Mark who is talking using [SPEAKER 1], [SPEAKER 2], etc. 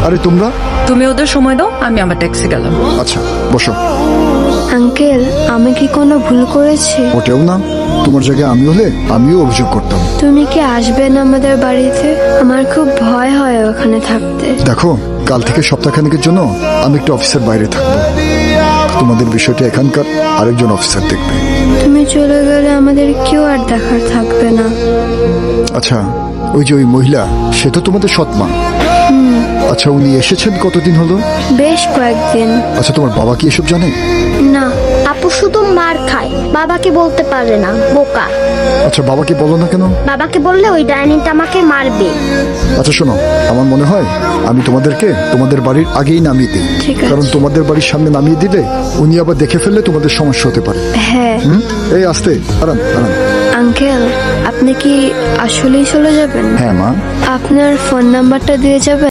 [SPEAKER 1] আরে তোমরা?
[SPEAKER 2] তুমি ওদের সময় দাও, আমি আমার ট্যাক্সি গেলাম।
[SPEAKER 1] আচ্ছা বসো।
[SPEAKER 3] আঙ্কেল, আমি কি কোনো ভুল করেছি?
[SPEAKER 1] ওটাও না, তোমার জায়গায় আমি হলে আমিও অভিযোগ করতাম।
[SPEAKER 3] তুমি কি আসবেন আমাদের বাড়িতে? আমার খুব ভয় হয় ওখানে থাকতে।
[SPEAKER 1] দেখো, কাল থেকে সপ্তাহখানেকের জন্য আমি একটু অফিসের বাইরে থাকবো। তোমাদের বিষয়টা এখানকার আরেকজন অফিসার দেখবে।
[SPEAKER 3] তুমি চলে গেলে আমাদের কেউ আর দেখার থাকবে না।
[SPEAKER 1] আচ্ছা, ওই যে ওই মহিলা, সে তো তোমাদের সৎমা। আচ্ছা, উনি এসেছেন কতদিন হলো?
[SPEAKER 3] বেশ কয়েকদিন।
[SPEAKER 1] আচ্ছা, তোমার বাবা কি এসব জানে?
[SPEAKER 3] না।
[SPEAKER 4] আপু শুধু মার খায়, বাবাকে বলতে পারে না, বোকা।
[SPEAKER 1] আচ্ছা, বাবাকে বলো না কেন?
[SPEAKER 4] বাবাকে বললে ওই ডাইনিটা আমাকে মারবে।
[SPEAKER 1] আচ্ছা শোনো, আমার মনে হয় আমি তোমাদেরকে তোমাদের বাড়ির আগেই নামিয়ে দিই।
[SPEAKER 3] ঠিক আছে।
[SPEAKER 1] কারণ তোমাদের বাড়ির সামনে নামিয়ে দিলে উনি আবার দেখে ফেললে তোমাদের সমস্যা হতে পারে।
[SPEAKER 3] হ্যাঁ।
[SPEAKER 1] এই আস্তে, আরাম আরাম।
[SPEAKER 3] আঙ্কেল, আপনি কি আসলেই চলে যাবেন?
[SPEAKER 1] হ্যাঁ মা।
[SPEAKER 3] আপনার ফোন নাম্বারটা দিয়ে যাবেন?